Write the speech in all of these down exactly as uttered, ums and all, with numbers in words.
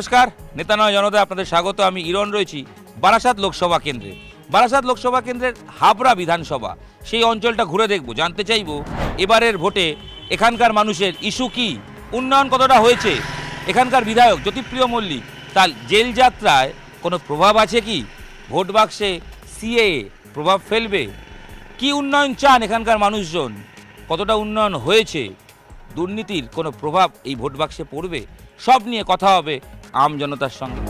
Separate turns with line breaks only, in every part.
নমস্কার, নেতা নয় জনতা আপনাদের স্বাগত। আমি ইরন রয়েছি বারাসাত লোকসভা কেন্দ্রে। বারাসাত লোকসভা কেন্দ্রের হাবড়া বিধানসভা, সেই অঞ্চলটা ঘুরে দেখব, জানতে চাইব এবারের ভোটে এখানকার মানুষের ইস্যু কি, উন্নয়ন কতটা হয়েছে, এখানকার বিধায়ক জ্যোতিপ্রিয় মল্লিক তার জেল যাত্রায় কোনো প্রভাব আছে কি, ভোট বাক্সে সিএএ প্রভাব ফেলবে, কি উন্নয়ন চান এখানকার মানুষজন, কতটা উন্নয়ন হয়েছে, দুর্নীতির কোনো প্রভাব এই ভোট বাক্সে পড়বে, সব নিয়ে কথা হবে আম জনতার সঙ্গে।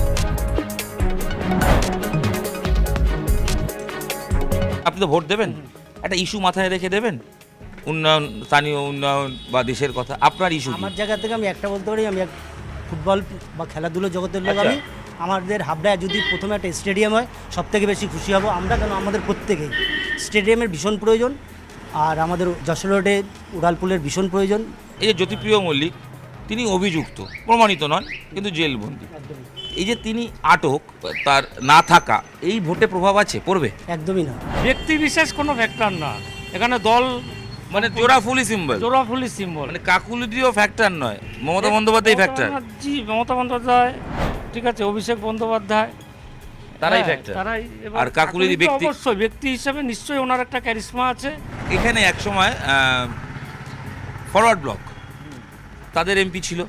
আপনি তো ভোট দেবেন, একটা ইস্যু মাথায় রেখে দেবেন, উন্নয়ন, স্থানীয় উন্নয়ন বা দেশের কথা, আপনার ইস্যু
আমার জায়গা থেকে আমি একটা বলতে পারি, আমি এক ফুটবল বা খেলাধুলো জগতের লোক।
আচ্ছা।
আমি আমাদের হাবড়ায় যদি প্রথমে একটা স্টেডিয়াম হয় সব থেকে বেশি খুশি হব আমরা, কেন আমাদের প্রত্যেকেই স্টেডিয়ামের ভীষণ প্রয়োজন, আর আমাদের যশোর রোডে উড়ালপুলের ভীষণ প্রয়োজন।
এই যে জ্যোতিপ্রিয় মল্লিক, তিনি অভিযুক্ত, প্রমাণিত নন কিন্তু জেলবন্দি, এই যে তিনি আটক, তার না থাকা এই ভোটে প্রভাব আছে, পড়বে?
একদমই না,
ব্যক্তি বিশেষ কোনো ফ্যাক্টর না এখানে, দল
মানে জোড়াফুলি সিম্বল,
জোড়াফুলি সিম্বল,
মানে কাকুলিদিও ফ্যাক্টর নয়, মমতা বন্দ্যোপাধ্যায় ফ্যাক্টর,
জি মমতা বন্দ্যোপাধ্যায়, ঠিক আছে, অভিষেক বন্দ্যোপাধ্যায়,
তারাই
হ্যাঁ,
ফ্যাক্টর।
তারাই। এবার
আর কাকুলিদি
কাকুলি তো
ব্যক্তি,
অবশ্যই ব্যক্তি হিসেবে নিশ্চয়ই ওনার একটা ক্যারিশমা আছে।
এখানে একসময় ফরওয়ার্ড ব্লক তাদের এমপি ছিল,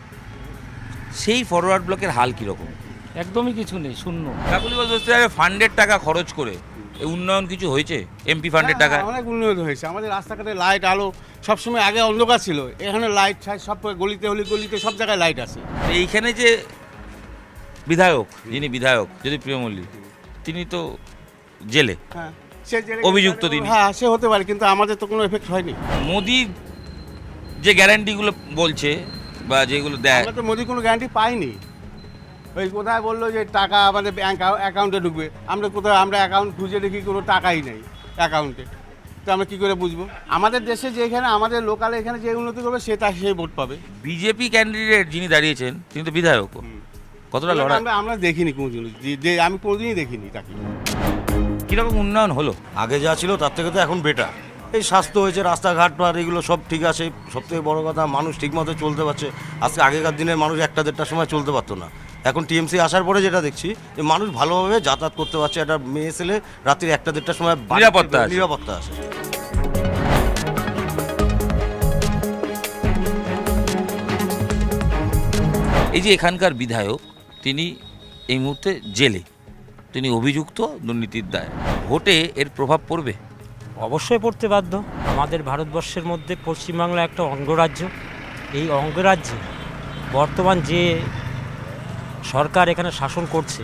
সেই ফরওয়ার্ড ব্লকের হাল কীরকম?
একদমই কিছু নেই, শূন্য।
কাকুলিগঞ্জ বস্তিতে ফান্ডের টাকা খরচ করে এই উন্নয়ন কিছু হয়েছে? এমপি ফান্ডের টাকা
হ্যাঁ, অনেক উন্নয়ন হয়েছে। আমাদের রাস্তাঘাটে লাইট আলো সবসময়, আগে অন্ধকার ছিল, এখানে লাইট সব গলিতে হলি গলিতে সব জায়গায় লাইট আছে।
এইখানে যে বিধায়ক, যিনি বিধায়ক জ্যোতিপ্রিয় মল্লিক, তিনি তো জেলে,
হ্যাঁ, সে যে
অভিযুক্ত তিনি।
হ্যাঁ, সে হতে পারে, কিন্তু আমাদের তো কোনো এফেক্ট হয়নি।
মোদি যে গ্যারান্টিগুলো বলছে বা যেগুলো দেয়,
আমরা তো মোদি কোনো গ্যারান্টি পাইনি। ওই কোথায় বললো যে টাকা আমাদের ব্যাংক অ্যাকাউন্টে ঢুকবে, আমরা কোথায়, আমরা অ্যাকাউন্ট খুঁজে দেখি কোনো টাকাই নেই অ্যাকাউন্টে, তো আমরা কী করে বুঝবো? আমাদের দেশে যে এখানে আমাদের লোকালে এখানে যে উন্নতি করবে সে তা সেই ভোট পাবে।
বিজেপি ক্যান্ডিডেট যিনি দাঁড়িয়েছেন তিনি তো বিধায়ক, কতটা লড়াই?
আমরা আমরা দেখিনি কোনোদিন, যে আমি কোনোদিনই দেখিনি তাকে।
কীরকম উন্নয়ন হলো?
আগে যা ছিল তার থেকে তো এখন বেটার। এই স্বাস্থ্য হয়েছে, রাস্তাঘাট আর এগুলো সব ঠিক আছে। সবথেকে বড় কথা, মানুষ ঠিকমতো চলতে পারছে। আজকে আগেকার দিনের মানুষ একটা দেড়টার সময় চলতে পারতো না। এখন টিএমসি আসার পরে যেটা দেখছি যে মানুষ ভালোভাবে যাতায়াত করতে পারছে। একটা মেয়ে ছেলে রাত্রি একটা দেড়টার সময় বাড়ি
নিরাপত্তা আছে।
নিরাপত্তা আছে।
এই যে এখানকার বিধায়ক, তিনি এই মুহূর্তে জেলে, তিনি অভিযুক্ত দুর্নীতির দায়, ভোটে এর প্রভাব পড়বে?
অবশ্যই পড়তে বাধ্য। আমাদের ভারতবর্ষের মধ্যে পশ্চিমবাংলা একটা অঙ্গরাজ্য। এই অঙ্গরাজ্যে বর্তমান যে সরকার এখানে শাসন করছে,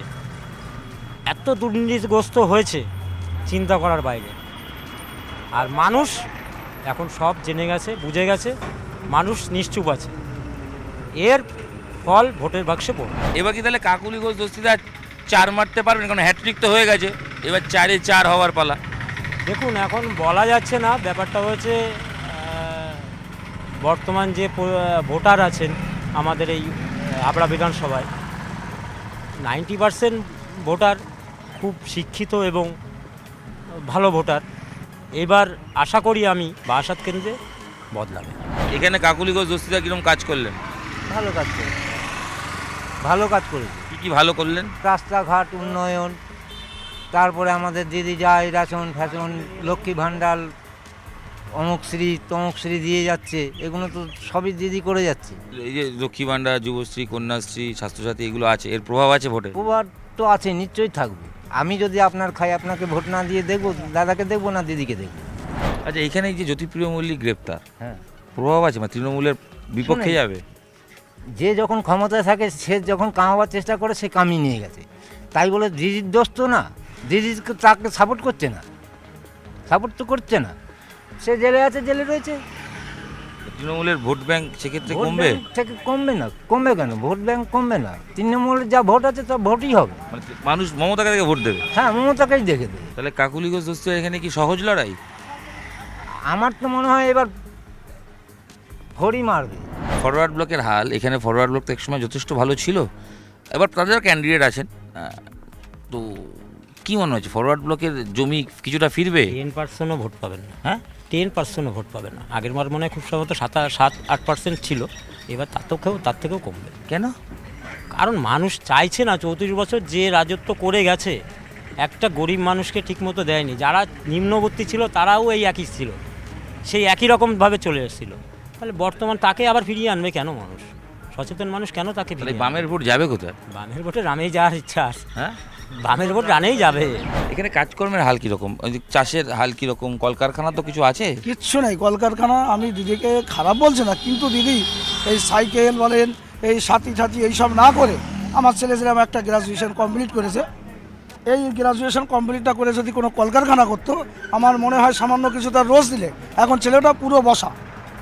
এত দুর্নীতিগ্রস্ত হয়েছে চিন্তা করার বাইরে। আর মানুষ এখন সব জেনে গেছে, বুঝে গেছে, মানুষ নিশ্চুপ আছে। এর ফল ভোটের বাক্সে পড়বে।
এবার কি তাহলে কাকুলিগঞ্জ দস্তিদার চার মারতে পারবেন? কারণ হ্যাট্রিক তো হয়ে গেছে, এবার চারে চার হওয়ার পালা।
দেখুন, এখন বলা যাচ্ছে না। ব্যাপারটা হচ্ছে আহ, বর্তমান যে প- ভোটার আছেন আমাদের এই হাবড়া বিধানসভায়, নাইনটি পার্সেন্ট ভোটার খুব শিক্ষিত এবং ভালো ভোটার। এবার আশা করি আমি বারাসাত কেন্দ্রে বদলাবে।
এখানে কাকুলিগঞ্জ দস্তিদার কিরকম কাজ করলেন?
ভালো কাজ করেছে, ভালো কাজ করেছে।
কি কি ভালো করলেন?
রাস্তাঘাট উন্নয়ন, তারপরে আমাদের দিদি যায় রেশন ফ্যাশন, লক্ষ্মী ভাণ্ডার, অমুকশ্রী তমুকশ্রী দিয়ে যাচ্ছে, এগুলো তো সবই দিদি করে যাচ্ছে।
এই যে লক্ষ্মী ভাণ্ডার, যুবশ্রী, কন্যাশ্রী, স্বাস্থ্যসাথী, এগুলো আছে, এর প্রভাব আছে ভোটে?
প্রভাব তো আছে, নিশ্চয়ই থাকবে। আমি যদি আপনার খাই, আপনাকে ভোট না দিয়ে দেখবো, দাদাকে দেখবো না দিদিকে দেখবো।
আচ্ছা, এখানে এই যে জ্যোতিপ্রিয় মল্লিক গ্রেপ্তার,
হ্যাঁ,
প্রভাব আছে? মানে তৃণমূলের বিপক্ষে
শুনেন।
যাবে?
যে যখন ক্ষমতায় থাকে সে যখন কামাবার চেষ্টা করে সে কামিয়ে নিয়ে গেছে, তাই বলে দিদির দোষ তো না। দিদি তাকে সাপোর্ট করছে না, সাপোর্ট তো করছে না। সে জেলে আছে, জেলে রয়েছে।
তৃণমূলের ভোট ব্যাংক সেক্ষেত্রে
ভোট
কমবে?
ব্যাংক থেকে কমবে না, কমবে কেন? ভোট ব্যাংক কমবে না। তৃণমূলের যা ভোট আছে তা ভোটই হবে।
মানে মানুষ মমতাকে দেখে ভোট দেবে?
হ্যাঁ, মমতাকেই দেখে দেবে।
তাহলে কাকুলিগঞ্জ দস্তিদার এখানে কি সহজ লড়াই?
আমার তো মনে হয় এবার ভোটই মারবে।
ফরওয়ার্ড ব্লকের হাল, এখানে ফরওয়ার্ড ব্লক তো একসময় যথেষ্ট ভালো ছিল, এবার তাদের ক্যান্ডিডেট আছেন, আহ, তো কি মনে হচ্ছে ফরওয়ার্ড ব্লকের জমি কিছুটা ফিরবে?
টেন পার্সেন্টও ভোট পাবেন না। হ্যাঁ, টেন পার্সেন্টও ভোট পাবেন না। আগের বার মনে হয় খুব সম্ভবত সাত সাত আট পার্সেন্ট ছিল, এবার তার থেকেও তার থেকেও কমবে।
কেন?
কারণ মানুষ চাইছে না, চৌত্রিশ বছর যে রাজত্ব করে গেছে একটা গরিব মানুষকে ঠিকমতো দেয়নি। যারা নিম্নবর্তী ছিল তারাও এই একই ছিল, সেই একই রকমভাবে চলে এসেছিলো। তাহলে বর্তমান তাকে আবার ফিরিয়ে আনবে কেন মানুষ? সচেতন মানুষ কেন তাকে
তাহলে
ফিরিয়ে আনবে?
বামের ভোট যাবে কোথায়?
বামের ভোটে রানেই যাওয়ার ইচ্ছা আছে।
হ্যাঁ,
বামের ভোট রানেই যাবে।
এখানে কাজকর্মের হাল কীরকম? ওই যে চাষের হাল কীরকম? কলকারখানা তো কিছু আছে?
কিচ্ছু নেই কলকারখানা। আমি দিদিকে খারাপ বলছি না, কিন্তু দিদি এই সাইকেল বলেন, এই সাথী সাথী এইসব না করে, আমার ছেলে যেরকম একটা গ্রাজুয়েশন কমপ্লিট করেছে, এই গ্রাজুয়েশন কমপ্লিটটা করে যদি কোনো কলকারখানা করতো, আমার মনে হয় সামান্য কিছু তার রোজ দিলে এখন ছেলেটা পুরো বসা।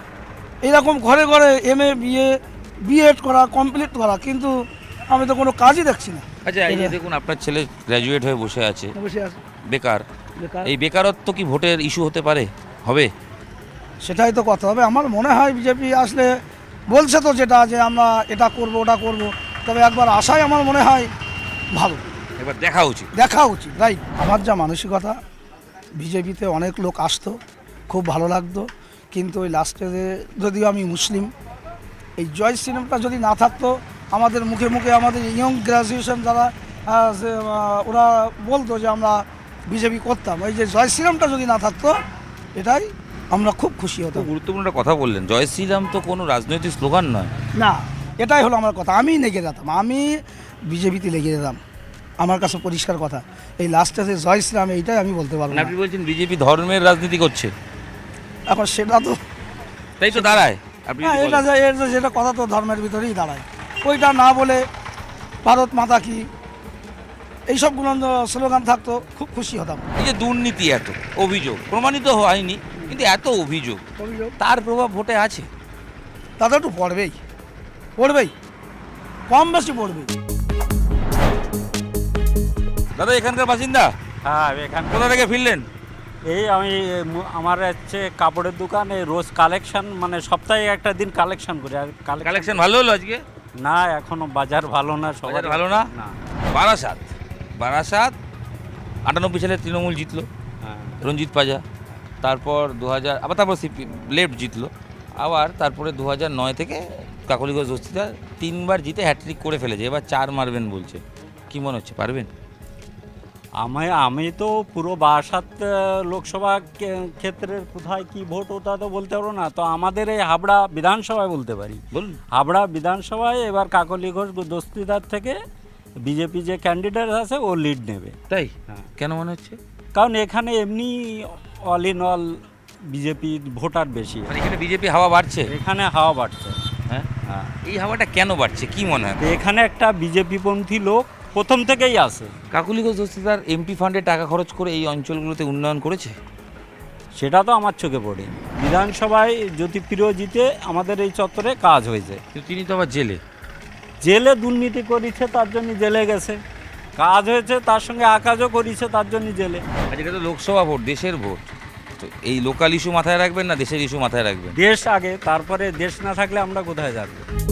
এইরকম ঘরে ঘরে এম এ বিএ বিএড করা, কমপ্লিট করা, কিন্তু আমি তো কোনো কাজই দেখছি না।
আচ্ছা, এই যে দেখুন আপনার ছেলে গ্র্যাজুয়েট হয়ে বসে আছে,
বসে আছে
বেকার।
বেকার।
এই বেকারত্ব কি ভোটের ইস্যু হতে পারে? হবে?
সেটাই তো কথা হবে। আমার মনে হয় বিজেপি আসলে বলছে তো যেটা, যে আমরা এটা করব ওটা করব, তবে একবার আসাই আমার মনে হয় ভালো,
এবার দেখা উচিত।
দেখা উচিত, রাইট। আমার যা মানসিকতা, বিজেপিতে অনেক লোক আসতো, খুব ভালো লাগতো, কিন্তু ওই লাস্টে যদিও আমি মুসলিম, এই জয় সিনেমাটা যদি না থাকতো, আমাদের মুখে মুখে আমাদের ইয়ং গ্রাজুয়েশন যারা আহ, যে, আহ, ওরা বলতো যে আমরা বিজেপি করতাম, এই যে জয় শ্রীরামটা যদি না থাকতো, এটাই আমরা খুব খুশি হতাম।
খুব গুরুত্বপূর্ণ একটা কথা বললেন, জয় শ্রীরাম তো কোনো রাজনৈতিক স্লোগান নয়।
না, এটাই হলো আমার কথা। আমি লেগে যেতাম, আমি বিজেপিতে লেগে যেতাম, আমার কাছে পরিষ্কার কথা। এই লাস্টে যে জয় শ্রীরাম, এইটাই আমি বলতে পারবো
মানে
না।
আপনি বলছেন বিজেপি ধর্মের রাজনীতি করছে,
এখন সেটা তো
তাই তো দাঁড়ায়। আপনি
হ্যাঁ,
যদি
এটা
বলেন।
যে- এর যে- যেটা কথা তো ধর্মের ভিতরেই দাঁড়ায়। ওইটা না বলে ভারত মাতা কি এইসবগুলো স্লোগান থাকতো, খুব খুশি হতাম।
এই যে দুর্নীতি, এত অভিযোগ প্রমাণিত হয়নি, কিন্তু এত অভিযোগ, তার প্রভাব ভোটে আছে?
তাতে একটু পড়বেই, পড়বেই, কম বেশি পড়বেই।
দাদা এখানকার বাসিন্দা?
হ্যাঁ, এখান
কোথা থেকে ফিরলেন?
এই আমি মু- আমার হচ্ছে কাপড়ের দোকান, এই রোজ কালেকশন, মানে সপ্তাহে একটা দিন কালেকশন করি। আর
কালেকশন ভালো হলো আজকে?
না, এখনো বাজার ভালো না, সবার
বাজার ভালো না? বারাসাত, বারাসাত আটানব্বই সালে তৃণমূল জিতলো,
হ্যাঁ।
রঞ্জিত পাজা। তারপর দু হাজার আবার তারপর সিপি লেফট জিতলো, আবার তারপরে দু হাজার নয় থেকে কাকলিগঞ্জ দস্তিদার তিনবার জিতে হ্যাট্রিক করে ফেলেছে। এবার চার মারবেন বলছে, কি মনে হচ্ছে পারবেন?
আমি আমি তো পুরো বারাসাত আহ, লোকসভা কে- ক্ষেত্রের কোথায় কি ভোট ওটা তো বলতে পারবো না, তো আমাদের এই হাবড়া বিধানসভায় বলতে পারি।
বলুন।
হাবড়া বিধানসভায় এবার কাকলি ঘোষ দস্তিদার থেকে বিজেপি যে ক্যান্ডিডেট আছে ও লিড নেবে।
তাই?
হ্যাঁ।
কেন মনে হচ্ছে?
কারণ এখানে এমনি all in all BJP voter বেশি,
মানে এখানে বিজেপি হাওয়া বাড়ছে?
এখানে হাওয়া বাড়ছে।
হ্যাঁ,
হ্যাঁ,
এই হাওয়াটা কেন বাড়ছে কি মনে হয়?
এখানে একটা বিজেপিপন্থী লোক প্রথম থেকেই আছে।
কাকলিগঞ্জ দস্তিদার এমপি ফান্ডে টাকা খরচ করে এই অঞ্চলগুলোতে উন্নয়ন করেছে?
সেটা তো আমার চোখে পড়ে। বিধানসভায় জ্যোতিপ্রিয় জিতে আমাদের এই চত্বরে কাজ হয়েছে।
কিন্তু তিনি তো আবার জেলে।
জেলে দুর্নীতি করেছে, তার জন্য জেলে গেছে। কাজ হয়েছে, তার সঙ্গে আকাজও করেছে, তার জন্য জেলে।
আর এটা তো লোকসভা ভোট, দেশের ভোট, তো এই লোকাল ইস্যু মাথায় রাখবেন না দেশের ইস্যু মাথায় রাখবেন?
দেশ আগে, তারপরে দেশ না থাকলে আমরা কোথায় যাব?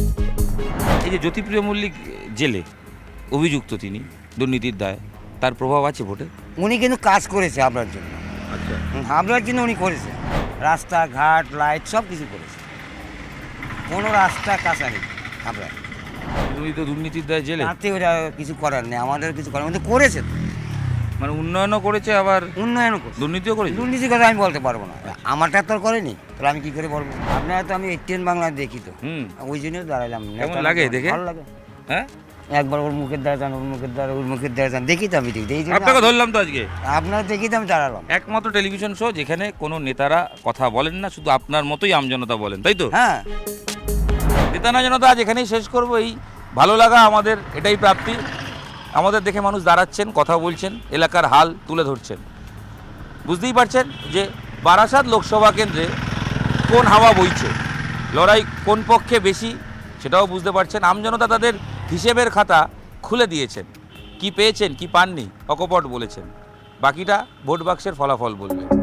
এই যে জ্যোতিপ্রিয় মল্লিক জেলে, অভিযুক্ত তিনি দুর্নীতির দায়, তার প্রভাব আছে ভোটে?
উনি কিন্তু কাজ করেছে আপনার জন্য,
আচ্ছা,
আপনার জন্য উনি করেছে, রাস্তাঘাট লাইট সব কিছু করেছে, কোনো রাস্তা কাঁচা নেই আপনার।
উনি তো দুর্নীতির দায় জেলে,
তাতে ওরা কিছু করার নেই, আমাদের কিছু করার কিন্তু করেছে তো।
মানে উন্নয়নও করেছে আবার
উন্নয়নও করেছে,
দুর্নীতিও করেছে।
দুর্নীতির কথা আমি বলতে পারবো না, আমারটা তো আর করেনি, তাহলে আমি কি করে বলবো? আপনারা তো আমি এইটিএন বাংলা দেখি তো,
হুম,
ওই জন্যই দাঁড়াইলাম।
কেমন লাগে দেখে?
ভালো লাগে,
হ্যাঁ,
একবার ওর মুখের দ্বারা যান, ওর মুখের দ্বারা ওর মুখের দ্বারা যান, দেখি তো আমি ঠিক এই জন্য
আপনাকে ধরলাম তো আজকে।
আপনারা দেখি তো আমি দাঁড়ালাম।
একমাত্র টেলিভিশন শো যেখানে কোনো নেতারা কথা বলেন না, শুধু আপনার মতোই আমজনতা বলেন, তাই তো?
হ্যাঁ,
নেতা না জনতা আজ এখানেই শেষ করবো। এই ভালো লাগা আমাদের, এটাই প্রাপ্তি। আমাদের দেখে মানুষ দাঁড়াচ্ছেন, কথা বলছেন, এলাকার হাল তুলে ধরছেন। বুঝতেই পারছেন যে বারাসাত লোকসভা কেন্দ্রে কোন হাওয়া বইছে, লড়াই কোন পক্ষে বেশি সেটাও বুঝতে পারছেন। আমজনতা তাদের হিসেবের খাতা খুলে দিয়েছেন, কি পেয়েছেন কি পাননি অকপট বলেছেন, বাকিটা ভোট বাক্সের ফলাফল বলবে।